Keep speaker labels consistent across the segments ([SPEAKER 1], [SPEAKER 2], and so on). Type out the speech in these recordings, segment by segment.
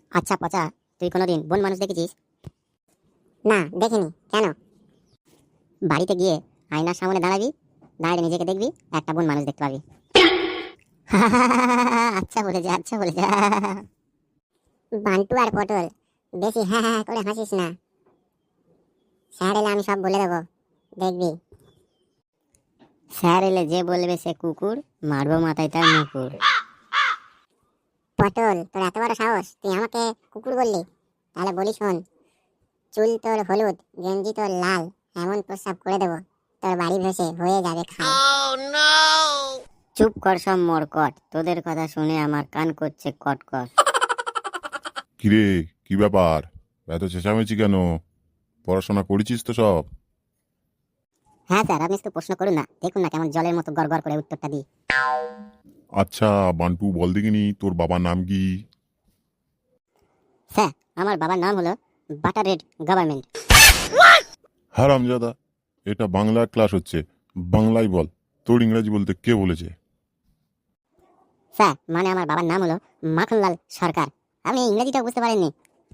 [SPEAKER 1] আচ্ছা পচা, তুই কোনোদিন বন মানুষ দেখেছিস?
[SPEAKER 2] না, দেখিনি। কেন?
[SPEAKER 1] বাড়িতে গিয়ে আয়নার সামনে দাঁড়াবি, দাঁড়িয়ে নিজেকে দেখবি, একটা বন মানুষ দেখতে পাবি। আচ্ছা বলেছে, আচ্ছা বলেছে।
[SPEAKER 2] বান্টু আর পটল, বেশি হ্যাঁ হ্যাঁ করে হাসিস না। স্যার এলে আমি সব বলে দেবো, দেখবি।
[SPEAKER 1] স্যার এলে যে বলবে সে কুকুর, মারবো মাথায় তার মুকুর।
[SPEAKER 2] পটল, তোর এত বড় সাহস, তুই আমাকে কুকুর বললি? তাহলে বলি শোন, চুল তোর হলুদ, গেঞ্জি তোর লাল, এমন প্রস্রাব করে দেবো তোর বাড়ি ভেসে হয়ে যাবে খাল।
[SPEAKER 1] চুপ কর সব মরকট, তোদের কথা শুনে আমার কান করছে কটকট।
[SPEAKER 3] কিরে, কি ব্যাপার? এত চেঁচামেচি কেন? পড়াশোনা করেছিস তো সব?
[SPEAKER 1] হ্যাঁ স্যার, আপনি একটু প্রশ্ন করুন না, দেখুন না কেমন জলের মতো গড়গড় করে উত্তরটা দিই।
[SPEAKER 3] আচ্ছা বান্টু, বল দেখিনি তোর বাবার নাম কি?
[SPEAKER 1] স্যার, আমার বাবার নাম হলো বাটার রেড গভর্নমেন্ট।
[SPEAKER 3] হারামজাদা, এটা বাংলার ক্লাস হচ্ছে, বাংলায় বল। তোর ইংরেজি বলতে কে বলেছে?
[SPEAKER 1] স্যার, মানে আমার বাবার নাম হলো মাখনলাল সরকার। আপনি ইংরেজিটা বুঝতে পারেননি?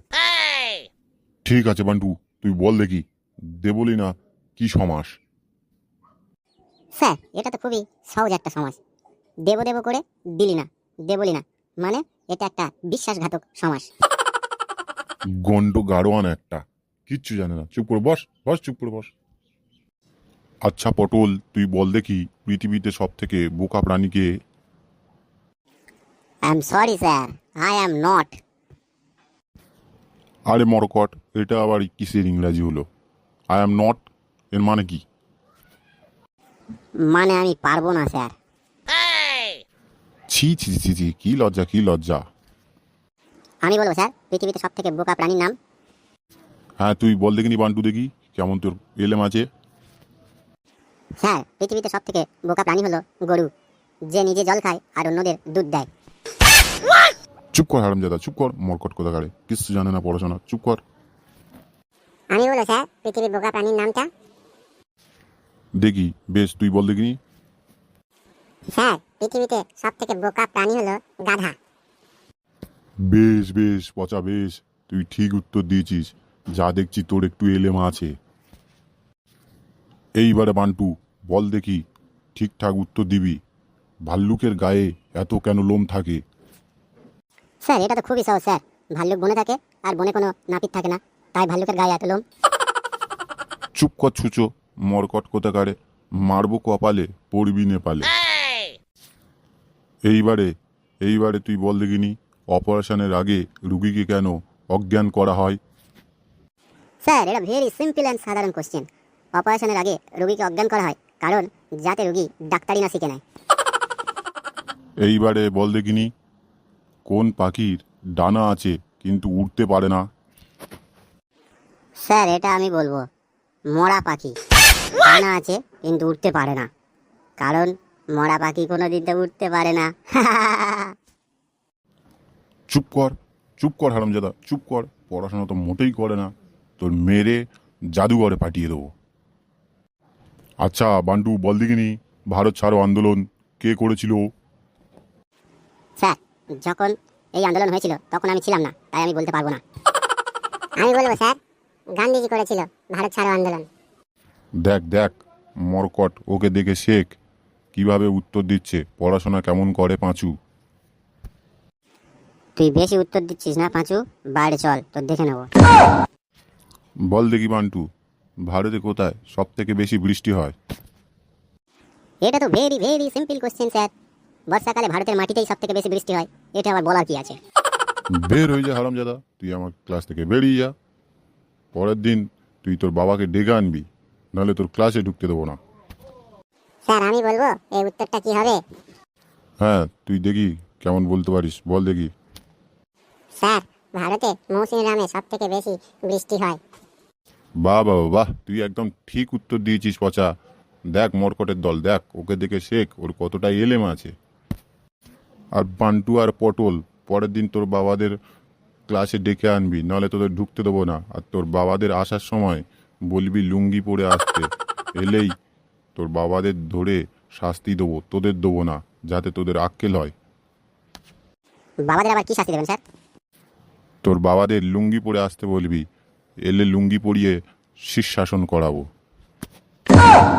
[SPEAKER 3] ঠিক আছে বান্টু, তুই বল দেখি, দেবলি না কি সমাস?
[SPEAKER 1] স্যার, এটা তো খুবই সহজ একটা সমাজ। দেব দেব করে দিলি না, দেবলি না, মানে এটা একটা বিশ্বাসঘাতক সমাজ।
[SPEAKER 3] গন্ড গাড়োয়ান একটা, কিচ্ছু জানে না। চুপ করে বস, বস, চুপ করে বস। আচ্ছা পটল, তুই বল দেখি পৃথিবীতে সব থেকে বোকা প্রাণী কে?
[SPEAKER 1] I am sorry sir, I am not.
[SPEAKER 3] আরে মরকট, এটা আবার কিসের ইংরাজি হলো? আই অ্যাম নট এর মানে কি?
[SPEAKER 1] মানে আমি পারবো না স্যার।
[SPEAKER 3] ছি ছি ছি ছি, কি লজ্জা, কি লজ্জা।
[SPEAKER 1] আমি বলবো স্যার, পৃথিবীতে সব থেকে বোকা প্রাণীর নাম।
[SPEAKER 3] হ্যাঁ তুই বল দেখিনি বান্টু দেখি, কেমন তোর এলেম আছে।
[SPEAKER 1] স্যার, পৃথিবীতে সব থেকে বোকা প্রাণী হলো গরু, যে নিজে জল খায় আর অন্যদের দুধ দেয়।
[SPEAKER 3] চুপ কর হারামজাদা, চুপ কর মরকট কোথাকারে, কিচ্ছু জানে না পড়াশোনা, চুপ কর।
[SPEAKER 2] আমি বলো স্যার, পৃথিবীর বোকা প্রাণীর নামটা?
[SPEAKER 3] দেখি বেশ, তুই বল দেখিনি।
[SPEAKER 2] স্যার, পৃথিবীতে সব থেকে বোকা প্রাণী হলো গাধা।
[SPEAKER 3] বেশ বেশ পচা, বেশ, তুই ঠিক উত্তর দিয়েছিস। যা দেখছি তোর একটু এলেম আছে। এইবারে বান্টু, বল দেখি, ঠিকঠাক উত্তর দিবি। ভাল্লুকের গায়ে এত কেন লোম থাকে?
[SPEAKER 1] স্যার, এটা তো খুবই সহজ স্যার। ভাল্লুক বনে থাকে, আর বনে কোনো নাপিত থাকে না, তাই ভাল্লুকের গায়ে এত লোম।
[SPEAKER 3] চুপ কর ছুচো, মরকট কোথাকারে, মারবো কপালে, পড়বি নেপালে। এইবারে এইবারে তুই বল দেখিনি, অপারেশনের আগে রুগীকে কেন অজ্ঞান করা হয়?
[SPEAKER 1] স্যার, এটা ভেরি সিম্পল অ্যান্ড সাধারণ কোশ্চেন। অপারেশনের আগে রোগীকে অজ্ঞান করা হয় কারণ যাতে রোগী ডাক্তারি না শিখে নেয়।
[SPEAKER 3] এইবারে বল দেখিনি, কোন পাখির ডানা আছে কিন্তু উড়তে পারে না?
[SPEAKER 1] স্যার, এটা আমি বলবো, মরা পাখি। ডানা আছে কিন্তু উঠতে পারে না, কারণ মরা পাখি কোনোদিন তো উঠতে পারে না।
[SPEAKER 3] চুপ কর, চুপ কর হারামজাদা, চুপ কর। পড়াশোনা তো মোটেই করে না, তোর মেরে জাদুঘরে পাঠিয়ে দেবো। আচ্ছা বান্টু, বল দেখিনি, ভারত ছাড়ো আন্দোলন কে করেছিল?
[SPEAKER 1] স্যার, যখন এই আন্দোলন হয়েছিল তখন আমি ছিলাম না, তাই আমি বলতে পারবো না।
[SPEAKER 2] আমি বলবো স্যার, গান্ধীজি করেছিল ভারত ছাড়ো আন্দোলন।
[SPEAKER 3] দেখ দেখ মরকট, ওকে দেখে শেখ কিভাবে উত্তর দিচ্ছে, পড়াশোনা কেমন করে পাঁচু।
[SPEAKER 1] তুই বেশি উত্তর দিচ্ছিস না পাঁচু, বাইরে চল, তোর দেখে নেবো।
[SPEAKER 3] বল দেখি বান্টু, ভারতে কোথায় সব থেকে বেশি বৃষ্টি হয়?
[SPEAKER 1] এটা তো very very simple question sir. বর্ষাকালে ভারতের মাটিতেই সব থেকে বেশি বৃষ্টি হয়, এটা আবার বলার কি আছে?
[SPEAKER 3] বের হয়ে যা হারামজাদা, তুই আমার ক্লাস থেকে বেরিয়ে যা। পরের দিন তুই তোর বাবাকে ডেকে আনবি, নাহলে তোর ক্লাসে ঢুকতে দেবো না।
[SPEAKER 2] স্যার, আমি বলবো এই উত্তরটা কি হবে?
[SPEAKER 3] হ্যাঁ তুই দেখি কেমন বলতে পারিস, বল দেখি।
[SPEAKER 2] স্যার, ভারতে মৌসুমী রামে সব থেকে বেশি বৃষ্টি হয়।
[SPEAKER 3] বাহ বাবা বাহ, তুই একদম ঠিক উত্তর দিয়েছিস পচা। দেখ মরকটের দল, দেখ ওকে দেখে শেখ, ওর কতটা এলেম আছে। আর বান্টু আর পটল, পরের দিন তোর বাবাদের ক্লাসে ডেকে আনবি, নাহলে তোদের ঢুকতে দেবো না। আর তোর বাবাদের আসার সময় বলবি লুঙ্গি পরে আসতে, এলেই তোর বাবাদের ধরে শাস্তি দেবো, তোদের দেবো না, যাতে তোদের আক্কেল হয়।
[SPEAKER 1] বাবাদের আবার কি শাস্তি দেবেন স্যার?
[SPEAKER 3] তোর বাবাদের লুঙ্গি পরে আসতে বলবি, এলে লুঙ্গি পরিয়ে শীর্ষাসন করাবো।